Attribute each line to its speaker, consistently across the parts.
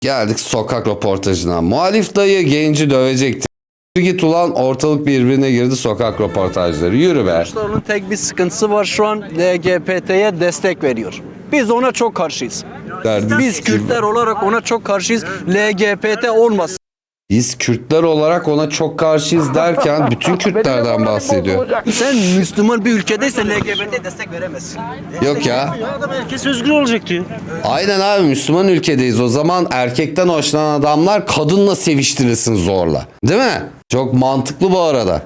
Speaker 1: Geldik sokak röportajına. Muhalif dayı genci dövecekti. Git ulan, ortalık birbirine girdi, sokak röportajları. Yürü be.
Speaker 2: Kılıçdaroğlu'nun tek bir sıkıntısı var, şu an LGBT'ye destek veriyor. Biz ona çok karşıyız. Biz Kürtler olarak ona çok karşıyız. LGBT olmasın.
Speaker 1: Biz Kürtler olarak ona çok karşıyız derken bütün Kürtlerden bahsediyor.
Speaker 2: Sen Müslüman bir ülkedeysen LGBT destek veremezsin.
Speaker 1: Yok ya.
Speaker 3: Adam herkes özgür olacak diyor.
Speaker 1: Aynen abi, Müslüman ülkedeyiz. O zaman erkekten hoşlanan adamlar kadınla seviştirilsin zorla. Değil mi? Çok mantıklı bu arada.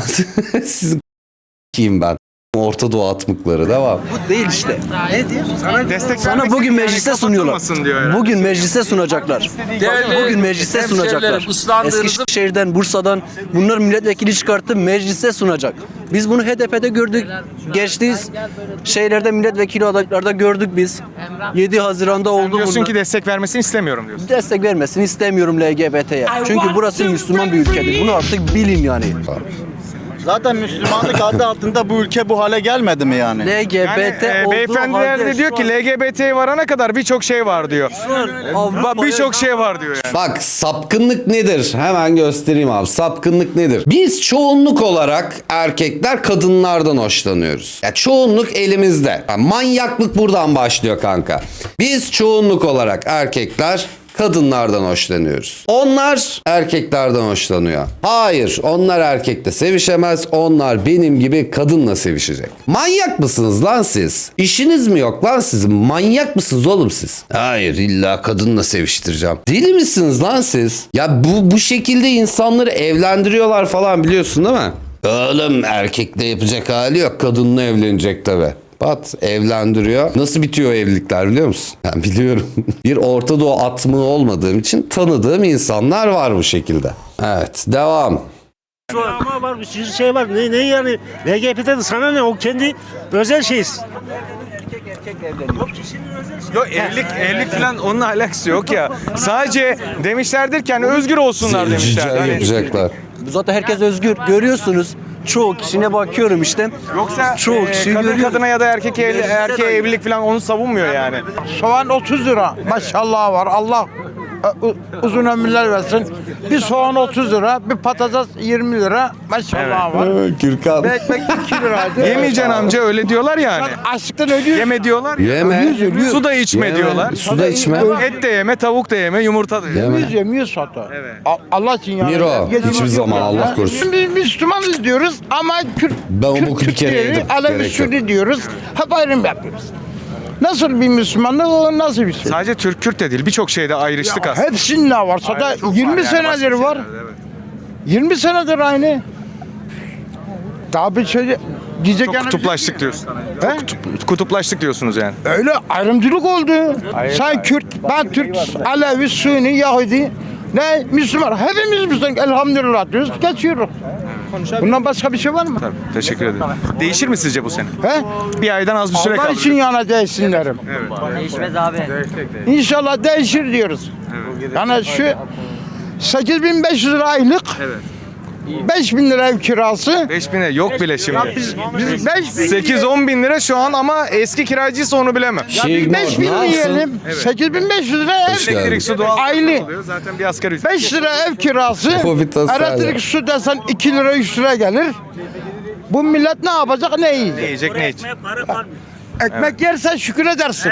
Speaker 1: Sizin kim ben? Orta Doğu atmıkları devam.
Speaker 2: Bu değil işte. Ne diyor? Sana bugün
Speaker 4: yani
Speaker 2: meclise sunuyorlar. Bugün meclise sunacaklar. Bugün meclise sunacaklar. Eskişehir'den, Bursa'dan bunlar milletvekili çıkarttı, meclise sunacak. Biz bunu HDP'de gördük. Geçtiğimiz şeylerde milletvekili adaylarda gördük biz. 7 Haziran'da oldu bunlar.
Speaker 4: Diyorsun ki destek vermesini istemiyorum diyorsun.
Speaker 2: Destek vermesini istemiyorum LGBT'ye. Çünkü burası Müslüman bir ülkedir. Bunu artık bilin yani.
Speaker 5: Zaten Müslümanlık adı altında bu ülke bu hale gelmedi mi yani?
Speaker 2: LGBT olduğu
Speaker 4: Beyefendiler
Speaker 2: halde
Speaker 4: de diyor
Speaker 2: şu
Speaker 4: ki
Speaker 2: an-
Speaker 4: LGBT varana kadar birçok şey var diyor. Birçok şey var diyor yani.
Speaker 1: Bak, sapkınlık nedir? Hemen göstereyim abi. Sapkınlık nedir? Biz çoğunluk olarak erkekler kadınlardan hoşlanıyoruz. Ya çoğunluk elimizde. Yani manyaklık buradan başlıyor kanka. Biz çoğunluk olarak erkekler kadınlardan hoşlanıyoruz. Onlar erkeklerden hoşlanıyor. Hayır, onlar erkekle sevişemez. Onlar benim gibi kadınla sevişecek. Manyak mısınız lan siz? İşiniz mi yok lan sizin? Manyak mısınız oğlum siz? Hayır, illa kadınla seviştireceğim. Deli misiniz lan siz? Ya bu şekilde insanları evlendiriyorlar falan, biliyorsun değil mi? Oğlum, erkekle yapacak hali yok. Kadınla evlenecek tabii. Pat evlendiriyor. Nasıl bitiyor evlilikler biliyor musun? Ben biliyorum. Bir Orta Doğu atmığı olmadığım için tanıdığım insanlar var bu şekilde. Evet, devam.
Speaker 3: Ama var bir sürü şey var. Ne yani? LGBT'de sana ne? O kendi özel şeyiz.
Speaker 4: Yok, evlilik falan onunla alakası yok ya. Sadece demişlerdir ki hani özgür olsunlar demişler.
Speaker 1: Rica
Speaker 4: Hani
Speaker 1: yapacaklar.
Speaker 2: Zaten herkes özgür. Görüyorsunuz. Çoğu kişine bakıyorum işte.
Speaker 4: yoksa
Speaker 2: çoğu kişi
Speaker 4: kadın
Speaker 2: görüyor.
Speaker 4: kadına ya da erkeğe evlilik falan onu savunmuyor yani.
Speaker 6: Soğan 30 lira. Maşallah var. Allah uzun ömürler versin. Bir soğan 30 lira, bir patates 20 lira. Maşallah var.
Speaker 1: Gürkan.
Speaker 6: Bir ekmek 2 liraydı.
Speaker 4: Yemeyeceksin amca, öyle diyorlar yani.
Speaker 6: Açlıktan ölüyor.
Speaker 4: Yeme diyorlar ya.
Speaker 1: Yeme.
Speaker 4: Su da içme
Speaker 1: Yeme.
Speaker 4: diyorlar.
Speaker 1: Su da içme.
Speaker 4: Et de yeme, tavuk da yeme, yumurta da yeme.
Speaker 1: Yeme.
Speaker 6: Yemiyoruz hatta.
Speaker 4: Evet.
Speaker 6: Allah için yani.
Speaker 1: Miro,
Speaker 6: Yediğimiz
Speaker 1: hiçbir
Speaker 6: yok
Speaker 1: zaman
Speaker 6: yani.
Speaker 1: Allah korusun.
Speaker 6: Biz Müslümanız diyoruz ama Kürt,
Speaker 1: Ben o boku bir
Speaker 6: Kürt
Speaker 1: kere
Speaker 6: diyoruz,
Speaker 1: yedim.
Speaker 6: Alevi
Speaker 1: Gerek yok.
Speaker 6: Sünni diyoruz. Hep ayrım yapıyoruz. Nasıl bir Müslümanlık, o nasıl bir şey?
Speaker 4: Sadece Türk-Kürt de değil, birçok şeyde ayrıştık aslında.
Speaker 6: Hepsinde varsa da
Speaker 4: Aynen, çok
Speaker 6: 20
Speaker 4: var yani,
Speaker 6: senedir
Speaker 4: başka
Speaker 6: var.
Speaker 4: şeylerde, evet.
Speaker 6: 20 senedir aynı. Daha bir şey diyecek
Speaker 4: Çok
Speaker 6: yani-
Speaker 4: kutuplaştık diyorsun.
Speaker 6: He?
Speaker 4: Kutuplaştık diyorsunuz yani.
Speaker 6: Öyle ayrımcılık oldu. Sen Kürt, ben Türk, Alevi, Sünni, Yahudi, ne Müslüman. Hepimiz Müslüman. Elhamdülillah diyoruz. Geçiyoruz. Bundan başka bir şey var mı?
Speaker 4: Tabii, teşekkür ederim. Değişir mi sizce bu sene?
Speaker 6: He?
Speaker 4: Bir aydan az bir süre
Speaker 6: Allah
Speaker 4: kaldı.
Speaker 6: için yana değişsinlerim.
Speaker 7: Değişmez abi.
Speaker 6: İnşallah değişir diyoruz. Yani şu 8.500 lira aylık, 5.000 lira ev kirası.
Speaker 4: 5.000'e yok bile şimdi.
Speaker 6: Biz 5.000
Speaker 4: 8-10 bin lira şu an ama eski kiracıysa onu bilemem.
Speaker 1: Şey,
Speaker 6: 5.000
Speaker 1: ne yapsın?
Speaker 6: diyelim. 8.500 lira ev.
Speaker 1: geldin.
Speaker 4: Elektrik, su, doğal
Speaker 6: Aylık.
Speaker 4: oluyor. Zaten bir asgari ücret.
Speaker 6: 5 lira ev kirası,
Speaker 1: O bir tasarruf.
Speaker 6: elektrik su desen 2 lira 3 lira gelir. Bu millet ne yapacak, ne
Speaker 4: Ne
Speaker 6: yiyecek?
Speaker 4: yiyecek, ne içecek?
Speaker 6: Ekmek yersen şükür edersin.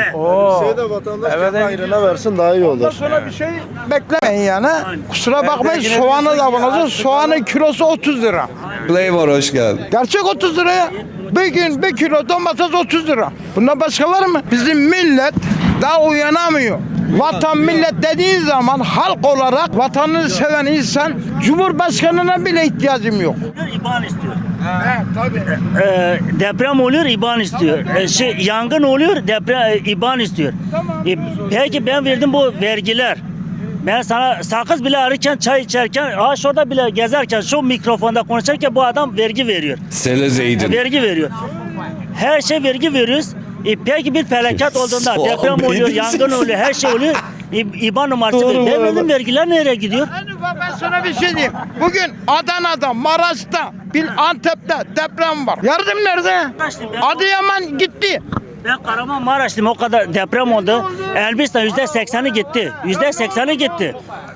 Speaker 6: Ondan sonra bir şey beklemeyin yani. Kusura bakmayın, soğanı da bulacağız. Soğanın kilosu 30 lira.
Speaker 1: Flavor, hoş geldin.
Speaker 6: Gerçek 30 liraya. Bir gün 1 kilo domates 30 lira. Bundan başka var mı? Bizim millet daha uyanamıyor. Vatan millet dediğin zaman halk olarak vatanını seven insan, Cumhurbaşkanına bile ihtiyacım yok.
Speaker 3: İban istiyor. Deprem oluyor, İban istiyor. Yangın oluyor, deprem İban istiyor. Peki ben verdim bu vergiler. Ben sana sakız bile ararken, çay içerken, şurada bile gezerken, şu mikrofonda konuşurken bu adam vergi veriyor.
Speaker 1: Selezeydin.
Speaker 3: Vergi veriyor. Her şey vergi veriyoruz. Peki bir felaket olduğunda
Speaker 1: Soğan
Speaker 3: deprem oluyor,
Speaker 1: benim
Speaker 3: yangın oluyor, her şey oluyor. İban numarası
Speaker 1: Doğru
Speaker 3: veriyor.
Speaker 1: bu arada.
Speaker 3: Benim vergiler nereye gidiyor?
Speaker 6: Ben sana bir şey diyeyim. Bugün Adana'da, Maraş'ta, Antep'te deprem var. Yardım nerede? Adıyaman gitti.
Speaker 3: Ben Kahramanmaraş'tayım, o kadar deprem oldu. Elbistan %80'i gitti. %80'i gitti.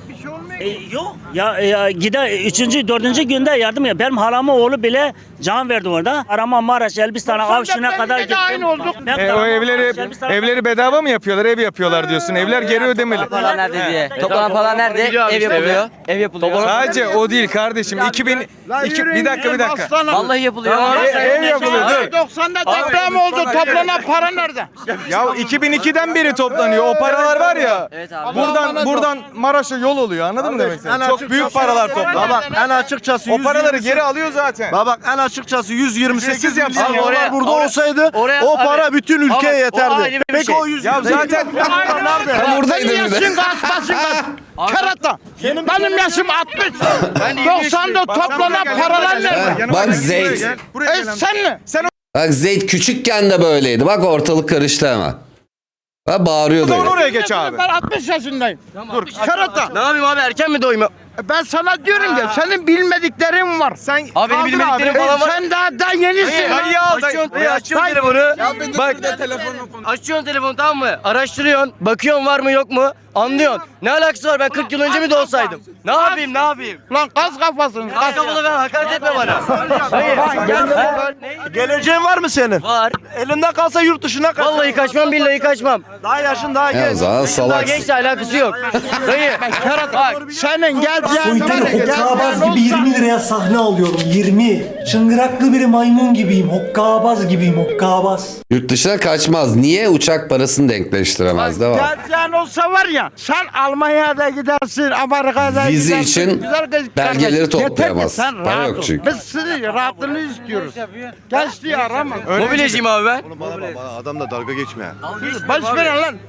Speaker 3: Yok ya gider 3. 4. günde yardım ya. Benim halamın oğlu bile can verdi orada. Kahramanmaraş, Elbistan'a, Avşin'e kadar
Speaker 6: de
Speaker 3: gittim.
Speaker 6: aynı olduk.
Speaker 3: Ben
Speaker 4: O
Speaker 3: Kahramanmaraş, Elbistan'a-
Speaker 4: evleri bedava mı yapıyorlar? Ev yapıyorlar diyorsun. Evler geri ödemeli.
Speaker 7: Paralar nerede diye. Toplanan paralar nerede? Ev yapılıyor. Ev yapılıyor.
Speaker 4: Sadece o değil kardeşim. Bir dakika.
Speaker 7: Vallahi yapılıyor.
Speaker 4: Ev yapılıyor. Dur.
Speaker 6: 90'da deprem oldu. Toplanan para nerede?
Speaker 4: Ya 2002'den beri toplanıyor. O paralar var ya.
Speaker 7: Evet abi.
Speaker 4: Buradan Maraş'a yol oluyor. Anladın mı demek istediğim? Çok büyük paralar toplanıyor.
Speaker 5: Bak en açıkçası
Speaker 4: O paraları geri alıyor zaten.
Speaker 5: Bak en açıkçası 128
Speaker 4: Ücretsiz yapsın
Speaker 5: milyon
Speaker 4: ya.
Speaker 5: dolar burada olsaydı
Speaker 7: oraya-
Speaker 5: o para
Speaker 7: abi,
Speaker 5: bütün ülkeye
Speaker 7: ama o ayrı
Speaker 5: yeterdi.
Speaker 7: bir
Speaker 5: Peki
Speaker 7: şey.
Speaker 5: o 100
Speaker 4: Ya zaten
Speaker 1: Ben buradaydım bir de.
Speaker 6: Yaşın kaç basın kaç? Kerata. Benim yaşım 60.
Speaker 7: Ben de
Speaker 6: 90'da toplanan paralar nerede?
Speaker 1: Bak Zeyd.
Speaker 6: Sen mi?
Speaker 1: Bak Zeyd küçükken de böyleydi. Bak ortalık karıştı hemen. Ha bağırıyordu.
Speaker 4: Oradan
Speaker 1: öyle.
Speaker 4: oraya geç abi.
Speaker 6: Ben 60 yaşındayım. Dur. Kerata.
Speaker 7: Ne yapayım abi erken mi doyma?
Speaker 6: Ben sana diyorum ya senin bilmediklerin var.
Speaker 4: Sen
Speaker 7: Abi benim
Speaker 4: kaldır
Speaker 7: bilmediklerim
Speaker 4: abi.
Speaker 7: falan var.
Speaker 6: Sen daha yenisin.
Speaker 4: Hayır ya.
Speaker 7: Açıyorsun telefonu. Bak açıyorsun telefonu tamam mı? Araştırıyorsun. Bakıyorsun var mı yok mu? Anlıyorsun. Ne alakası var? Ben 40 yıl önce mi doğsaydım? Ne yapayım?
Speaker 6: Lan gaz kafasın.
Speaker 7: Kaç kafalı ben hakaret etme bana. Hayır.
Speaker 5: Geleceğin var mı senin?
Speaker 7: Var.
Speaker 5: Elinden kalsa yurt dışına kaç.
Speaker 7: Vallahi kaçmam billahi kaçmam.
Speaker 5: Daha yaşın daha
Speaker 1: Ya o
Speaker 5: genç.
Speaker 1: zaman
Speaker 7: Daha
Speaker 1: salaksın.
Speaker 7: gençle alakası yok. Dayı. Bak.
Speaker 6: Senin geleceğin
Speaker 8: Soytarı hokkabaz gibi 20 liraya sahne alıyorum 20. Çıngıraklı bir maymun gibiyim. Hokkabaz gibiyim hokkabaz.
Speaker 1: Yurt dışına kaçmaz. Niye uçak parasını denkleştiremez? Devam.
Speaker 6: Geleceğin olsa var ya sen Almanya'da gidersin, Amerika'da
Speaker 1: Vize
Speaker 6: gidersin.
Speaker 1: için
Speaker 6: güzel kardeşim.
Speaker 1: belgeleri
Speaker 6: Yeter ki
Speaker 1: toplayamazsın.
Speaker 6: sen
Speaker 1: Para
Speaker 6: rahat
Speaker 1: yok
Speaker 6: ol.
Speaker 1: çünkü.
Speaker 6: Biz sizin rahatlığını istiyoruz. Gençliği arama.
Speaker 7: Mobilyacıyım abi ben.
Speaker 5: Adamla dalga geçme.
Speaker 6: Baş verin lan.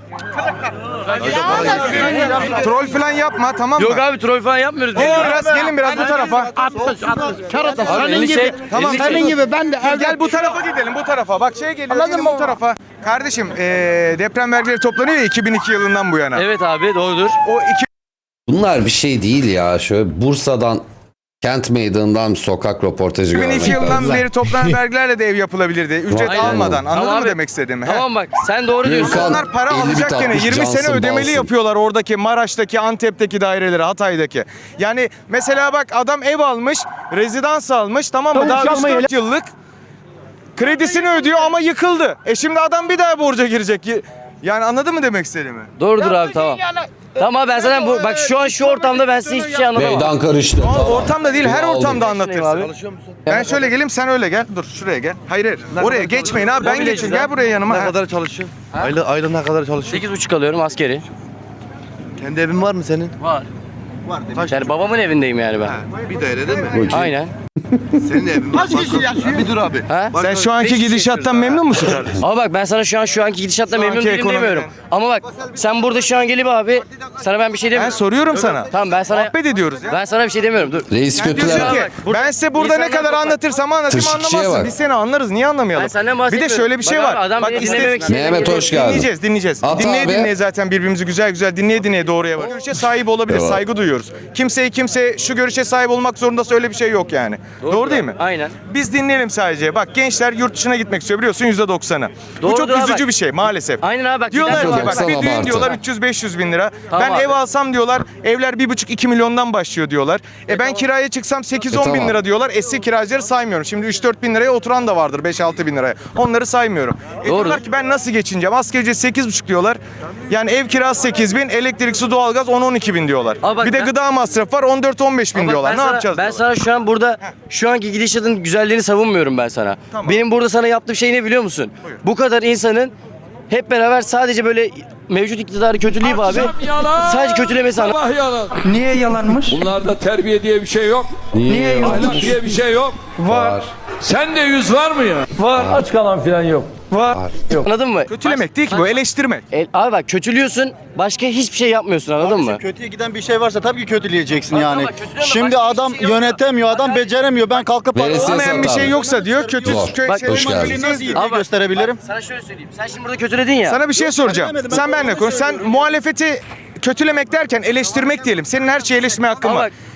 Speaker 4: Troll falan yapma tamam mı?
Speaker 7: Yok abi troll falan yapmıyoruz.
Speaker 4: Gelin biraz bu tarafa.
Speaker 6: 60. Kerata senin
Speaker 7: elli
Speaker 6: gibi.
Speaker 7: şey-
Speaker 4: Tamam.
Speaker 6: Senin gibi ben de
Speaker 4: Gel bu tarafa gidelim bu tarafa. Bak geliyor
Speaker 6: Anladın
Speaker 4: gelin
Speaker 6: mı?
Speaker 4: bu tarafa. Kardeşim deprem vergileri toplanıyor ya 2002 yılından bu yana.
Speaker 7: Evet abi doğrudur.
Speaker 4: O
Speaker 1: Bunlar bir şey değil ya. Şöyle Bursa'dan Kent Meydanı'ndan sokak röportajı
Speaker 4: 2002
Speaker 1: görmek
Speaker 4: yılından
Speaker 1: lazım.
Speaker 4: beri toplanan vergilerle de ev yapılabilirdi. Ücret
Speaker 1: Aynen.
Speaker 4: almadan. Anladın
Speaker 7: Tamam
Speaker 4: mı
Speaker 7: abi.
Speaker 4: demek istediğimi?
Speaker 7: Tamam bak sen doğru diyorsun.
Speaker 1: Gürkan,
Speaker 4: Onlar para
Speaker 1: 50 bit
Speaker 4: alacak gene
Speaker 1: atmış,
Speaker 4: 20 sene
Speaker 1: Johnson,
Speaker 4: ödemeli
Speaker 1: Balsın.
Speaker 4: yapıyorlar oradaki Maraş'taki, Antep'teki daireleri, Hatay'daki. Yani mesela bak adam ev almış, rezidans almış tamam mı? Daha 3-4 yıllık kredisini ödüyor ama yıkıldı. Şimdi adam bir daha borca girecek. Yani anladın mı demek istediğimi?
Speaker 7: Doğrudur abi tamam. Tamam abi ben sana bak şu an şu ortamda ben size hiçbir şey anlatamam.
Speaker 1: Meydan karıştı.
Speaker 4: Ama
Speaker 1: Tamam.
Speaker 4: ortamda değil her
Speaker 1: Aldım.
Speaker 4: ortamda
Speaker 7: Abi.
Speaker 4: anlatırsın. Ben şöyle geleyim sen öyle gel. Dur şuraya gel. Hayır. Oraya geçmeyin abi ben geçin. Gel buraya yanıma.
Speaker 5: Ne kadar çalışıyorsun? Ayda ne kadar çalışıyorsun?
Speaker 7: 8,5 alıyorum askeri.
Speaker 5: Kendi evin var mı senin?
Speaker 7: Var. Yani babamın evindeyim yani ben.
Speaker 5: Bir daire değil mi?
Speaker 7: Aynen.
Speaker 5: Senin evin var. Bir dur abi.
Speaker 7: Ha?
Speaker 4: Sen şu anki gidişattan memnun musun kardeşim?
Speaker 7: Ama bak ben sana şu anki gidişatla memnun
Speaker 4: anki
Speaker 7: değilim
Speaker 4: ekonomiden.
Speaker 7: demiyorum. Ama bak sen burada şu an gelip abi sana ben bir şey
Speaker 4: Ben
Speaker 7: demiyorum.
Speaker 4: soruyorum sana.
Speaker 7: Tamam ben sana
Speaker 4: Muhabbet ediyoruz ya.
Speaker 7: ben sana bir şey demiyorum. Dur.
Speaker 1: Reis
Speaker 4: Diyorsun
Speaker 1: kötüleme.
Speaker 4: ki ben size burada ne
Speaker 7: İnsanlar
Speaker 4: kadar
Speaker 7: bak-
Speaker 4: anlatırsam anlatayım
Speaker 1: Tırşıkçıya
Speaker 4: anlamazsın.
Speaker 1: bak.
Speaker 4: Biz seni anlarız. Niye anlamayalım?
Speaker 7: Ben senden
Speaker 4: Bir de
Speaker 7: bahsetmiyorum.
Speaker 4: şöyle bir şey
Speaker 7: Bak
Speaker 4: var.
Speaker 7: abi, adam beni dinlememek için-
Speaker 1: Mehmet hoş geldin.
Speaker 4: Dinleyeceğiz.
Speaker 1: At
Speaker 4: Dinleye
Speaker 1: abi.
Speaker 4: dinleye zaten birbirimizi güzel dinleye doğruya var. Görüşe sahip olabilir.
Speaker 1: Evet.
Speaker 4: Saygı duyuyoruz. Kimse şu görüşe sahip olmak zorundası öyle bir şey yok yani. Doğru değil mi?
Speaker 7: Aynen.
Speaker 4: Biz dinleyelim sadece. Bak gençler yurt dışına gitmek istiyor biliyorsun %90'ı. Bu
Speaker 7: Doğrudur
Speaker 4: çok
Speaker 7: abi,
Speaker 4: üzücü
Speaker 7: bak.
Speaker 4: bir şey maalesef.
Speaker 7: Aynen abi bak.
Speaker 4: Diyorlar
Speaker 7: gider
Speaker 4: ki bak
Speaker 1: %90
Speaker 4: bir düğün
Speaker 1: abartı.
Speaker 4: diyorlar 300-500 bin lira.
Speaker 7: Tamam
Speaker 4: Ben
Speaker 7: abi.
Speaker 4: ev alsam diyorlar evler 1,5-2 milyondan başlıyor diyorlar. Ben kiraya çıksam 8-10 bin
Speaker 1: tamam.
Speaker 4: lira diyorlar. Eski kiracıları saymıyorum. Şimdi 3-4 bin liraya oturan da vardır 5-6 bin liraya. Onları saymıyorum. Diyorlar ki ben nasıl geçineceğim? Asgari ücret 8,5 diyorlar. Yani ev kirası 8 bin, elektrik, su, doğalgaz 10-12 bin diyorlar.
Speaker 7: Abi bak
Speaker 4: Bir de
Speaker 7: ben-
Speaker 4: gıda masrafı var 14-15 bin
Speaker 7: Ama bak
Speaker 4: diyorlar.
Speaker 7: ben
Speaker 4: Ne
Speaker 7: sana-
Speaker 4: yapacağız?
Speaker 7: Ben
Speaker 4: diyorlar.
Speaker 7: sana şu an burada şu anki gidişatın güzelliğini savunmuyorum ben sana.
Speaker 4: Tamam.
Speaker 7: Benim burada sana yaptığım şey ne biliyor musun? Bu kadar insanın hep beraber sadece böyle mevcut iktidarı kötüleyip abi sadece kötülemesi
Speaker 9: Allah yalan.
Speaker 6: Niye yalanmış?
Speaker 9: Bunlarda terbiye diye bir şey yok.
Speaker 1: Niye?
Speaker 9: Ahlak diye bir şey yok.
Speaker 1: Var.
Speaker 9: Sen de yüz var mı ya? Var. Aç kalan filan yok.
Speaker 7: anladın mı?
Speaker 4: Kötülemek değil ki bu eleştirmek.
Speaker 7: Abi bak kötülüyorsun başka hiçbir şey yapmıyorsun anladın mı?
Speaker 5: Kötüye giden bir şey varsa tabii ki kötüleyeceksin yani.
Speaker 7: ama kötüleme,
Speaker 5: Şimdi
Speaker 7: başka
Speaker 5: adam
Speaker 7: hiçbir şey yok.
Speaker 5: yönetemiyor, adam beceremiyor. Ben kalkıp
Speaker 1: Veresiye
Speaker 4: Olmayan bir
Speaker 1: sat
Speaker 4: şey
Speaker 1: abi.
Speaker 4: yoksa diyor kötü
Speaker 1: Zor. Bak, hoş geldin.
Speaker 5: nasıl iyi
Speaker 7: Abi bak,
Speaker 5: gösterebilirim?
Speaker 7: Sana şöyle söyleyeyim. Sen şimdi burada kötüledin ya.
Speaker 4: Sana bir şey soracağım.
Speaker 5: demedim, ben
Speaker 4: Sen benimle
Speaker 5: doğru
Speaker 4: konuş. Sen
Speaker 5: söylüyorum.
Speaker 4: muhalefeti kötülemek derken eleştirmek diyelim. Senin her şeyi eleştirme hakkın
Speaker 7: Ama
Speaker 4: var.
Speaker 7: bak-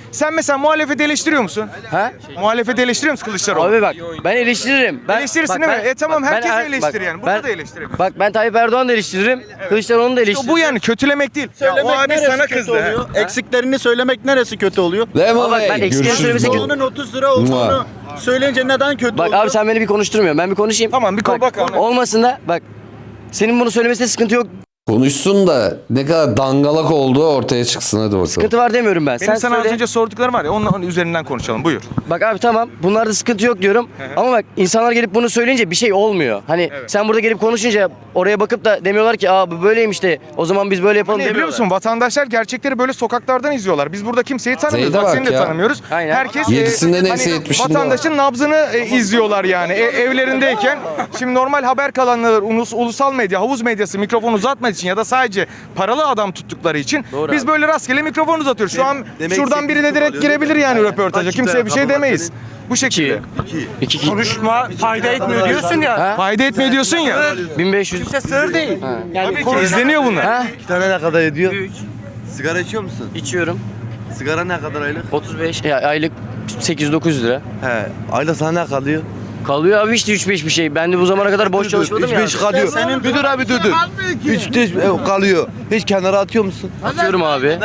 Speaker 4: Sen mesela muhalefeti eleştiriyor musun?
Speaker 7: Ha?
Speaker 4: Muhalefeti eleştiriyor musun Kılıçdaroğlu?
Speaker 7: Abi bak ben eleştiririm.
Speaker 4: Eleştirirsin değil mi? Tamam, herkes eleştirir yani. Burada da eleştirebilir.
Speaker 7: Bak ben Tayyip Erdoğan'ı da eleştiririm. Kılıçdaroğlu'nu da eleştiririm.
Speaker 4: Bu yani kötülemek değil. Ya, o abi
Speaker 5: neresi
Speaker 4: sana
Speaker 5: kötü
Speaker 4: kızdı.
Speaker 5: oluyor? Eksiklerini söylemek neresi kötü oluyor?
Speaker 1: Memo
Speaker 7: bak,
Speaker 1: Bey,
Speaker 7: ben eksiklerini
Speaker 1: görüşürüz
Speaker 7: söylemesi
Speaker 1: baba.
Speaker 5: Onun 30 lira olduğunu söyleyince neden kötü
Speaker 7: Bak
Speaker 5: oluyor?
Speaker 7: abi sen beni bir konuşturmuyorsun. Ben bir konuşayım.
Speaker 4: Tamam, bir bak abi.
Speaker 7: Olmasın da bak. Senin bunu söylemesinde sıkıntı yok.
Speaker 1: Konuşsun da ne kadar dangalak olduğu ortaya çıksın, hadi bakalım.
Speaker 7: Sıkıntı var demiyorum ben.
Speaker 4: Benim
Speaker 7: Sen
Speaker 4: sana
Speaker 7: söyle.
Speaker 4: az önce sorduklarım var ya, onun üzerinden konuşalım. Buyur.
Speaker 7: Bak abi tamam. Bunlarda sıkıntı yok diyorum. Ama bak insanlar gelip bunu söyleyince bir şey olmuyor. Hani sen burada gelip konuşunca oraya bakıp da demiyorlar ki bu böyleymiş de o zaman biz böyle yapalım
Speaker 4: Ne biliyor
Speaker 7: demiyorlar.
Speaker 4: musun? Vatandaşlar gerçekleri böyle sokaklardan izliyorlar. Biz burada kimseyi tanımıyoruz.
Speaker 1: Zeyde
Speaker 4: Bak,
Speaker 1: bak
Speaker 4: seni de
Speaker 1: ya.
Speaker 4: tanımıyoruz.
Speaker 7: Aynen.
Speaker 4: Herkes
Speaker 1: Yedisinde neyse 70'inde
Speaker 4: vatandaşın nabzını izliyorlar yani. Evlerindeyken. Şimdi normal haber kanalları, ulusal medya, havuz medyası mikrofon uzatmak için ya da sadece paralı adam tuttukları için
Speaker 7: Doğru
Speaker 4: biz
Speaker 7: abi.
Speaker 4: böyle rastgele mikrofon uzatıyoruz. Şu an şuradan biri de direkt girebilir yani röportaja. Kimseye bir şey demeyiz. Bu şekilde.
Speaker 7: İki.
Speaker 6: Konuşma fayda etmiyor diyorsun ya.
Speaker 7: Ha?
Speaker 4: Fayda etmiyor diyorsun ya.
Speaker 7: 1500.
Speaker 6: Sır değil.
Speaker 4: Tabii ki izleniyor bunlar.
Speaker 7: Ha?
Speaker 10: Bir tane ne kadar ediyor? Sigara içiyor musun?
Speaker 7: İçiyorum.
Speaker 10: Sigara ne kadar aylık?
Speaker 7: 35. Ya aylık 8-9 lira.
Speaker 10: He. Aylık sana ne kalıyor?
Speaker 7: Kalıyor abi işte 3-5 bir şey. Ben de bu zamana kadar boş çalışmadım ya.
Speaker 10: 3-5 kalıyor. Bir dur abi dur. 3 kalıyor. Hiç kenara atıyor musun?
Speaker 7: Atıyorum abi.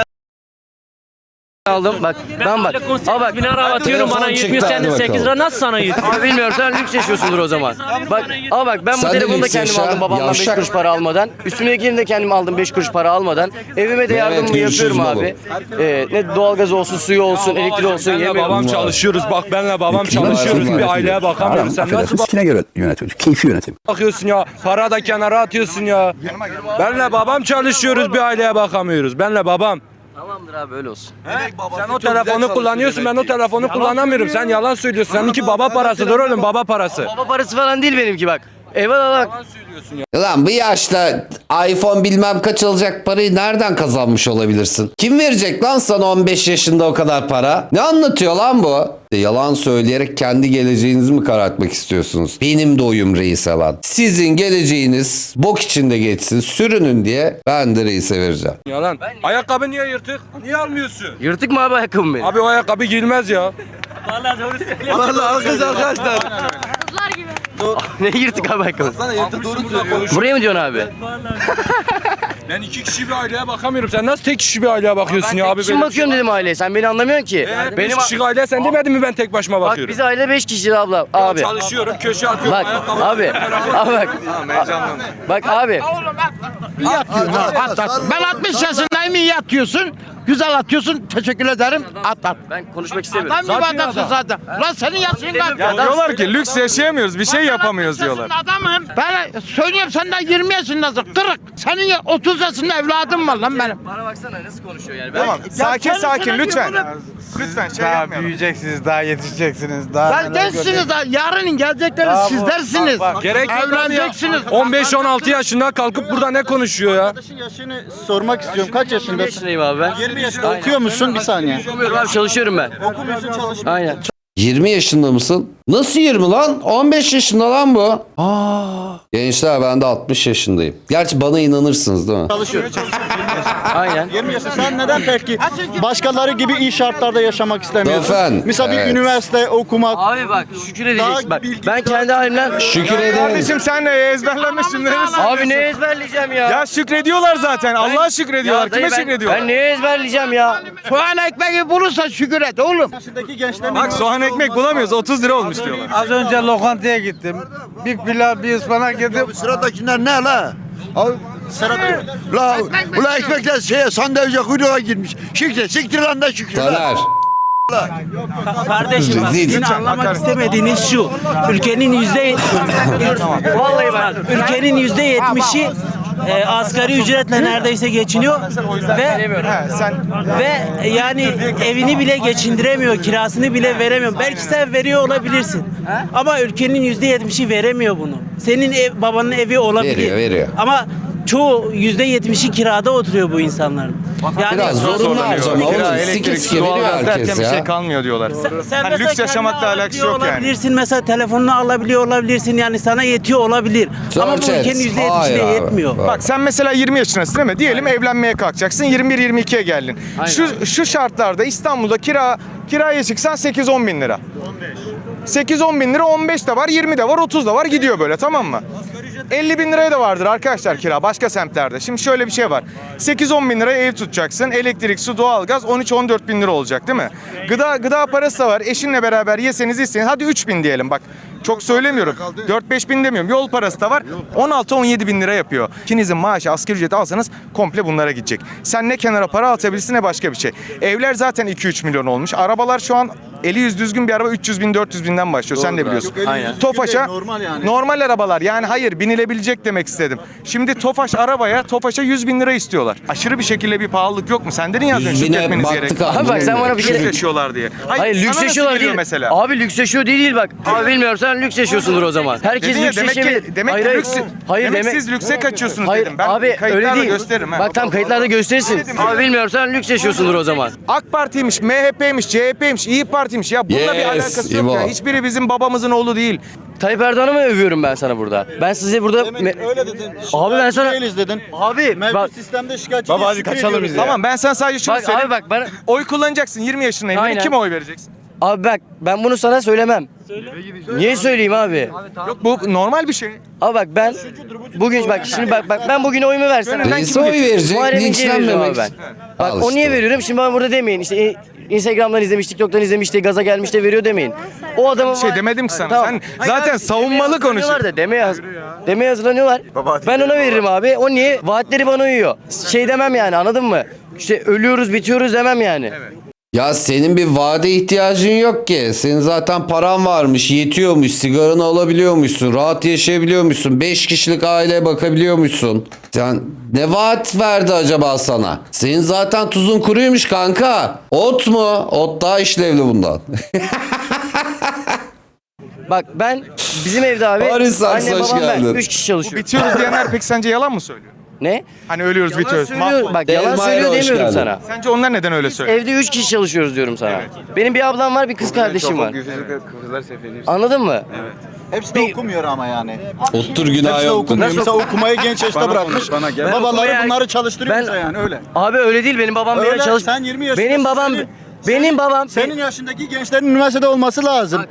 Speaker 7: Aldım bak ben bak. Al bak.
Speaker 1: atıyorum bana 70 sene 8 lira
Speaker 3: nasıl sana yük?
Speaker 7: Abi bilmiyorum sen lüks yaşıyorsundur o zaman. Bak al bak ben bu
Speaker 1: Sen de
Speaker 7: telefonu da
Speaker 1: lüks
Speaker 7: kendim
Speaker 1: yaşa,
Speaker 7: aldım babamdan 5
Speaker 1: yavşak.
Speaker 7: kuruş para almadan. Üstümdekini de kendim aldım 5 kuruş para almadan. Evime de yardımımı
Speaker 1: görüşürüz
Speaker 7: yapıyorum abi. Ne doğalgaz olsun, suyu olsun, elektriği olsun
Speaker 9: Benle
Speaker 7: yemiyorum.
Speaker 9: babam çalışıyoruz. Bak benle babam çalışıyoruz. Bir aileye bakamıyoruz. Sen nasıl
Speaker 11: göre yönetiyoruz. Keyfi yönetim.
Speaker 9: bakıyorsun ya? Para da kenara atıyorsun ya. Benle babam çalışıyoruz. Bir aileye bakamıyoruz. Benle babam.
Speaker 7: Tamamdır abi öyle olsun.
Speaker 9: Sen o telefonu kullanıyorsun. Ben o telefonu kullanamıyorum. Sen yalan söylüyorsun. Seninki baba parasıdır oğlum. Baba parası.
Speaker 7: Baba parası falan değil benimki bak. Eyvallah bak.
Speaker 1: Lan bu yaşta iPhone bilmem kaç alacak parayı nereden kazanmış olabilirsin? Kim verecek lan sana 15 yaşında o kadar para? Ne anlatıyor lan bu? Yalan söyleyerek kendi geleceğinizi mi karartmak istiyorsunuz? Benim de oyum reise lan. Sizin geleceğiniz bok içinde geçsin, sürünün diye ben de reise vereceğim.
Speaker 9: Yalan. Ayakkabı niye yırtık? Niye almıyorsun?
Speaker 7: Yırtık mı abi ayakkabım benim?
Speaker 9: Abi o ayakkabı giyilmez ya.
Speaker 10: Vallahi alkış arkadaşlar.
Speaker 7: Ne yırtık abi ayakkabı?
Speaker 10: Sana yırtık doğru söylüyor.
Speaker 7: Buraya mı diyorsun abi?
Speaker 9: Ben 2 kişi bir aileye bakamıyorum. Sen nasıl tek kişi bir aileye bakıyorsun ya abi?
Speaker 7: Kim bakıyorum dedim aileye. Sen beni anlamıyorsun ki.
Speaker 9: Benim
Speaker 7: Benim
Speaker 9: 5 kişi aile sen demedin mi ben tek başıma
Speaker 7: bak
Speaker 9: bakıyorum?
Speaker 7: biz aile 5 kişi abla abi.
Speaker 9: Çalışıyorum, köşe atıyorum.
Speaker 7: Bak
Speaker 9: ayakkabı-
Speaker 7: abi. Abi bak. Bak abi.
Speaker 6: İyi atıyorsun ha. At. Ben 60 yaşındayım, iyi atıyorsun. Güzel atıyorsun. Teşekkür ederim. At.
Speaker 7: Ben konuşmak istemiyorum.
Speaker 6: Adam gibi adamsın zaten. Lan senin yaşın kaç?
Speaker 4: Ya diyorlar ki lüks yaşayamıyoruz, bir şey yapamıyoruz diyorlar.
Speaker 6: Adamım. Ben söylüyorum sen daha 20 yaşındasın. Kırık. Senin 30 yaşında evladım var lan benim.
Speaker 7: Bana baksana nasıl konuşuyor yani.
Speaker 4: Tamam, sakin lütfen. Lütfen şey yapmayalım.
Speaker 6: büyüyeceksiniz, daha yetişeceksiniz. Lan gençsiniz daha. Yarının gelecekleri sizlersiniz.
Speaker 9: Gerek yok abi ya.
Speaker 6: Evleneceksiniz.
Speaker 9: 15-16 yaşında kalkıp burada ne konuşuyor ya?
Speaker 5: Arkadaşın yaşını sormak istiyorum. Kaç
Speaker 7: 20
Speaker 5: yaşındasın?
Speaker 7: yaşındayım abi ben.
Speaker 5: 20 yaşında. Okuyor musun? Bir saniye.
Speaker 7: Okumuyorum abi çalışıyorum ben.
Speaker 5: Okumuyorsun, çalışmıyorsun.
Speaker 7: Aynen.
Speaker 1: 20 yaşında mısın? Nasıl 20 lan? 15 yaşında lan bu. Gençler ben de 60 yaşındayım. Gerçi bana inanırsınız değil mi?
Speaker 5: Çalışıyorum.
Speaker 7: Aynen.
Speaker 5: 20 yaşında. Sen neden peki başkaları gibi iyi şartlarda yaşamak istemiyorsun?
Speaker 1: Efendim,
Speaker 5: Mesela bir
Speaker 1: evet.
Speaker 5: üniversite okumak.
Speaker 7: Abi bak şükür edeceksin. Bak ben kendi halimden
Speaker 1: Şükür ederim.
Speaker 4: Kardeşim sen ezberlemişsin.
Speaker 7: abi ne ezberleyeceğim ya?
Speaker 4: Ya şükrediyorlar zaten. Allah'a şükrediyorlar.
Speaker 7: Ya dayı,
Speaker 4: Kime şükrediyorlar?
Speaker 7: Ben neye ezberleyeceğim ya?
Speaker 6: Soğan ekmeği bulursa şükür et oğlum.
Speaker 5: Yaşındaki gençler
Speaker 4: Bak soğan ekmek bulamıyoruz. 30 lira olmuş diyorlar.
Speaker 6: Az önce lokantaya gittim. Bir pilav, bir ıspanak yedim.
Speaker 10: Sıradakiler ne la? La, ula ekmekler sandalye kuyruğa girmiş. Siktir lan da şükür.
Speaker 1: Taner.
Speaker 3: Kardeşim bak,
Speaker 1: Zil.
Speaker 3: sizin anlamak istemediğiniz şu. Ülkenin vallahi bak ülkenin %70'i asgari ücretle neredeyse geçiniyor ve yani evini bile geçindiremiyor, kirasını bile veremiyor. Belki sen veriyor olabilirsin. Ama ülkenin %70'i veremiyor bunu. Senin babanın evi olabilir.
Speaker 1: Veriyor.
Speaker 3: Ama çoğu %70'i kirada oturuyor bu insanların.
Speaker 1: Biraz zorunlu harcama oğlum.
Speaker 4: Kira,
Speaker 1: Sikik
Speaker 4: elektrik,
Speaker 1: sikik veriyor
Speaker 4: doğalgaz derken
Speaker 1: herkes
Speaker 4: bir şey
Speaker 1: ya.
Speaker 4: kalmıyor diyorlar.
Speaker 3: Sen
Speaker 4: Hani lüks yaşamakla alakası yok yani.
Speaker 3: olabilirsin mesela telefonunu alabiliyor olabilirsin yani sana yetiyor olabilir. Ama bu
Speaker 1: Chat.
Speaker 3: ülkenin
Speaker 1: Hayır
Speaker 3: %70'ine
Speaker 1: abi.
Speaker 3: yetmiyor.
Speaker 4: Bak sen mesela 20 yaşındasın değil mi? Diyelim evlenmeye kalkacaksın. 21-22'ye geldin. Şu şartlarda İstanbul'da kiraya çıksan 8-10 bin lira. 8-10 bin lira, 15 de var, 20 de var, 30 da var, gidiyor böyle, tamam mı? 50 bin liraya da vardır arkadaşlar kira başka semtlerde. Şimdi şöyle bir şey var. 8-10 bin liraya ev tutacaksın. Elektrik, su, doğalgaz 13-14 bin lira olacak değil mi? Gıda parası da var. Eşinle beraber yeseniz içseniz hadi 3 bin diyelim bak. Çok söylemiyorum. 4-5 bin demiyorum. Yol parası da var. 16-17 bin lira yapıyor. İkinizin maaşı asgari ücreti alsanız komple bunlara gidecek. Sen ne kenara para atabilirsin ne başka bir şey. Evler zaten 2-3 milyon olmuş. Arabalar şu an eli yüz düzgün bir araba 300 bin 400 binden başlıyor. Sen de biliyorsun. Tofaş'a normal arabalar yani hayır binilebilecek demek istedim. Şimdi Tofaş'a 100 bin lira istiyorlar. Aşırı bir şekilde bir pahalılık yok mu? Sen dedin ya az
Speaker 1: 100
Speaker 4: önce
Speaker 1: bine
Speaker 4: şükretmeniz
Speaker 1: baktık
Speaker 4: gerek.
Speaker 1: abi.
Speaker 7: Abi bak sen bana bir
Speaker 4: Lüks
Speaker 7: kere...
Speaker 4: yaşıyorlar diye.
Speaker 7: Hayır lüks
Speaker 4: sana nasıl
Speaker 7: yaşıyorlar
Speaker 4: geliyor
Speaker 7: değil.
Speaker 4: mesela?
Speaker 7: Abi lüks yaşıyor değil bak. Abi bilmiyorum sen lüks yaşıyorsundur o zaman. Herkes
Speaker 4: Dedin ya,
Speaker 7: lüks yaşayabilir.
Speaker 4: demek ki lüks. Demek siz lükse kaçıyorsunuz
Speaker 7: Hayır,
Speaker 4: dedim. Ben
Speaker 7: abi öyle
Speaker 4: kayıtlarla
Speaker 7: değil.
Speaker 4: gösteririm.
Speaker 7: Bak tam kayıtlarda gösterirsin. Abi bilmiyorum sen lüks yaşıyorsundur o zaman.
Speaker 4: AK Parti'ymiş, MHP'ymiş, CHP'ymiş, İyi Parti'ymiş. Ya bununla bir
Speaker 1: Yes,
Speaker 4: alakası yok
Speaker 1: İbo.
Speaker 4: ya. Hiçbiri bizim babamızın oğlu değil.
Speaker 7: Tayyip Erdoğan'ı mı övüyorum ben sana burada? Ben size burada...
Speaker 5: Öyle dedin.
Speaker 7: Abi ben sana...
Speaker 5: Değiliz dedin.
Speaker 7: Abi
Speaker 5: Mevcut
Speaker 7: bak...
Speaker 5: sistemde şikayetçi değil, şükür ediyoruz.
Speaker 4: Tamam ben sana sadece şunu
Speaker 7: Bak
Speaker 4: söyleyeyim.
Speaker 7: abi bak ben...
Speaker 4: Oy kullanacaksın 20 yaşındayım.
Speaker 7: Aynen.
Speaker 4: Kime oy vereceksin?
Speaker 7: Abi bak ben bunu sana söylemem. Niye söyleyeyim abi?
Speaker 4: Yok bu normal bir şey.
Speaker 7: Abi bak ben bugün bak şimdi bak ben bugün oyumu versem.
Speaker 1: Neyse oy verecek,
Speaker 7: Muharrem İnce'ye veriyorum
Speaker 1: linçlenmemek.
Speaker 7: abi ben. Bak
Speaker 1: Al
Speaker 7: o niye
Speaker 1: işte.
Speaker 7: veriyorum? Şimdi bana burada demeyin. İşte Instagram'dan izlemiş, TikTok'tan izlemiş de gaza gelmiş de veriyor demeyin. O adamın
Speaker 4: şey demedim ki sana.
Speaker 7: Tamam.
Speaker 4: Sen
Speaker 7: Hayır
Speaker 4: zaten
Speaker 7: abi,
Speaker 4: savunmalı
Speaker 7: demeye
Speaker 4: konuşuyorsun.
Speaker 7: hazırlanıyorlar da demeye hazırlanıyorlar. Ben ona veririm abi. O niye? Vaatleri bana uyuyor. Şey demem yani anladın mı? İşte ölüyoruz, bitiyoruz demem yani.
Speaker 1: Ya senin bir vade ihtiyacın yok ki. Senin zaten paran varmış, yetiyormuş, sigaranı alabiliyormuşsun, rahat yaşayabiliyormuşsun, 5 kişilik aileye bakabiliyormuşsun. Sen ne vaat verdi acaba sana? Senin zaten tuzun kuruymuş kanka. Ot mu? Ot daha işlevli bundan.
Speaker 7: Bak ben bizim evde abi
Speaker 1: Paris Saks,
Speaker 7: annem
Speaker 1: hoş
Speaker 7: babam ben
Speaker 1: geldin.
Speaker 7: 3 kişi çalışıyor.
Speaker 4: Bitiyoruz diyenler peki sence yalan mı söylüyor?
Speaker 7: Ne?
Speaker 4: Hani ölüyoruz
Speaker 7: Yalan
Speaker 4: bitiyoruz.
Speaker 7: söylüyor. Bak yalan
Speaker 1: Elmayra,
Speaker 7: söylüyor
Speaker 1: hoş
Speaker 7: demiyorum
Speaker 1: geldin.
Speaker 7: sana.
Speaker 4: Sence onlar neden öyle söylüyor?
Speaker 7: Evde 3 kişi çalışıyoruz diyorum sana. Benim bir ablam var, bir kız kardeşim var. Anladın mı?
Speaker 5: Hepsi de okumuyor ama yani.
Speaker 1: Ottur günah
Speaker 5: Hepsi de
Speaker 1: yoktur.
Speaker 5: okumuyor. Mesela okumayı genç yaşta bırakmış. Babaları
Speaker 7: okumaya-
Speaker 5: bunları çalıştırıyor
Speaker 7: Ben-
Speaker 5: bize yani öyle.
Speaker 7: Abi öyle değil. Benim babam
Speaker 5: Öyle,
Speaker 7: beni çalış.
Speaker 5: sen 20 yaşındasın.
Speaker 7: Benim babam
Speaker 5: Senin yaşındaki gençlerin üniversitede olması lazım.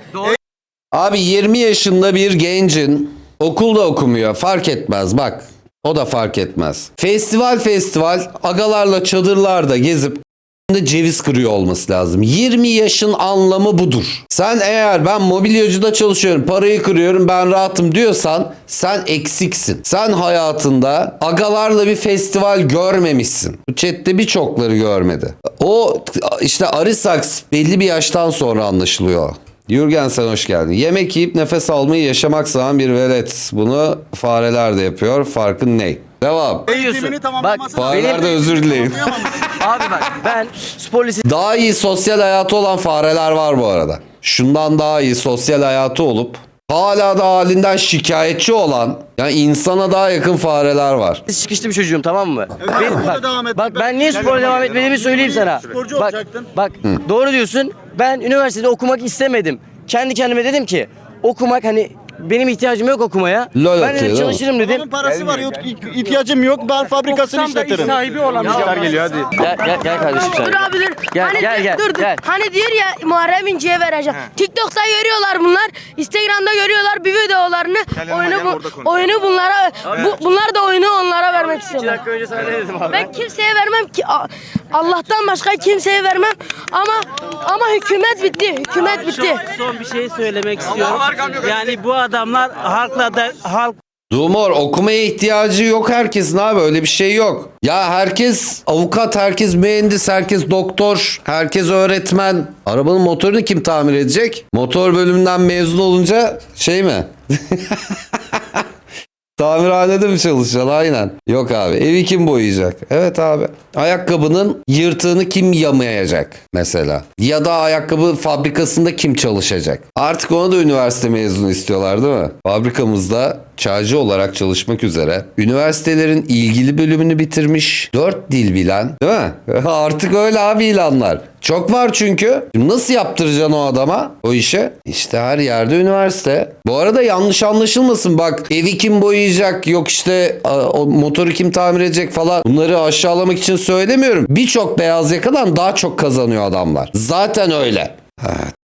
Speaker 1: Abi 20 yaşında bir gencin okulda okumuyor. Fark etmez bak. O da fark etmez. Festival agalarla çadırlarda gezip ceviz kırıyor olması lazım. 20 yaşın anlamı budur. Sen eğer ben mobilyacıda çalışıyorum, parayı kırıyorum, ben rahatım diyorsan sen eksiksin. Sen hayatında agalarla bir festival görmemişsin. Bu chatte birçokları görmedi. O işte Arisaks belli bir yaştan sonra anlaşılıyor. Jürgen sen hoş geldin. Yemek yiyip nefes almayı yaşamak sanan bir velet. Bunu fareler de yapıyor. Farkın ne? Devam.
Speaker 5: Eğitimini tamamlaması
Speaker 7: Bak,
Speaker 1: Fareler de
Speaker 5: benim-
Speaker 1: özür dileyin.
Speaker 7: abi bak ben spor lisesi
Speaker 1: Daha iyi sosyal hayatı olan fareler var bu arada. Şundan daha iyi sosyal hayatı olup hala da halinden şikayetçi olan yani insana daha yakın fareler var.
Speaker 7: çıkışlı bir çocuğum tamam mı?
Speaker 5: sporla devam et.
Speaker 7: Bak ben niye spora devam etmediğimi söyleyeyim sana.
Speaker 5: Sporcu
Speaker 7: Bak
Speaker 5: olacaktın.
Speaker 7: bak doğru diyorsun. Ben üniversitede okumak istemedim. Kendi kendime dedim ki okumak hani benim ihtiyacım yok okumaya.
Speaker 1: Lol
Speaker 7: Ben
Speaker 1: atıyor,
Speaker 7: dedim
Speaker 1: değil mi?
Speaker 7: çalışırım dedim.
Speaker 5: Adamın parası var yok ihtiyacım yok ben fabrikasını işletirim.
Speaker 7: Geliyor hadi. Gel kardeşim sen.
Speaker 12: Dur abi dur.
Speaker 7: Gel,
Speaker 12: Hani
Speaker 7: gel, gel,
Speaker 12: dur dur.
Speaker 7: gel.
Speaker 12: Hani diyor ya Muharrem İnce'ye vereceğim. TikTok'ta görüyorlar bunlar. Instagram'da görüyorlar bir videolarını. Oyunu bunlara bunlar da oyunu onlara vermek
Speaker 7: 2
Speaker 12: istiyorlar.
Speaker 7: dakika önce sana ne dedim abi?
Speaker 12: Ben kimseye vermem ki Allah'tan başka kimseye vermem ama hükümet bitti. Hükümet bitti.
Speaker 3: Son bir şey söylemek istiyorum. Yani bu adamlar halk
Speaker 1: Dumor okumaya ihtiyacı yok herkesin abi öyle bir şey yok. Ya herkes avukat, herkes mühendis, herkes doktor, herkes öğretmen. Arabanın motorunu kim tamir edecek? Motor bölümünden mezun olunca şey mi? Tamirhanede mi çalışacaksın? Aynen. Yok abi. Evi kim boyayacak? Evet abi. Ayakkabının yırtığını kim yamayacak mesela? Ya da ayakkabı fabrikasında kim çalışacak? Artık ona da üniversite mezunu istiyorlar değil mi? Fabrikamızda çaycı olarak çalışmak üzere üniversitelerin ilgili bölümünü bitirmiş 4 dil bilen, değil mi? Artık öyle abi ilanlar. Çok var çünkü. Nasıl yaptıracaksın o adama o işe? İşte her yerde üniversite. Bu arada yanlış anlaşılmasın, bak evi kim boyayacak, yok işte o motoru kim tamir edecek falan, bunları aşağılamak için söylemiyorum. Birçok beyaz yakadan daha çok kazanıyor adamlar. Zaten öyle.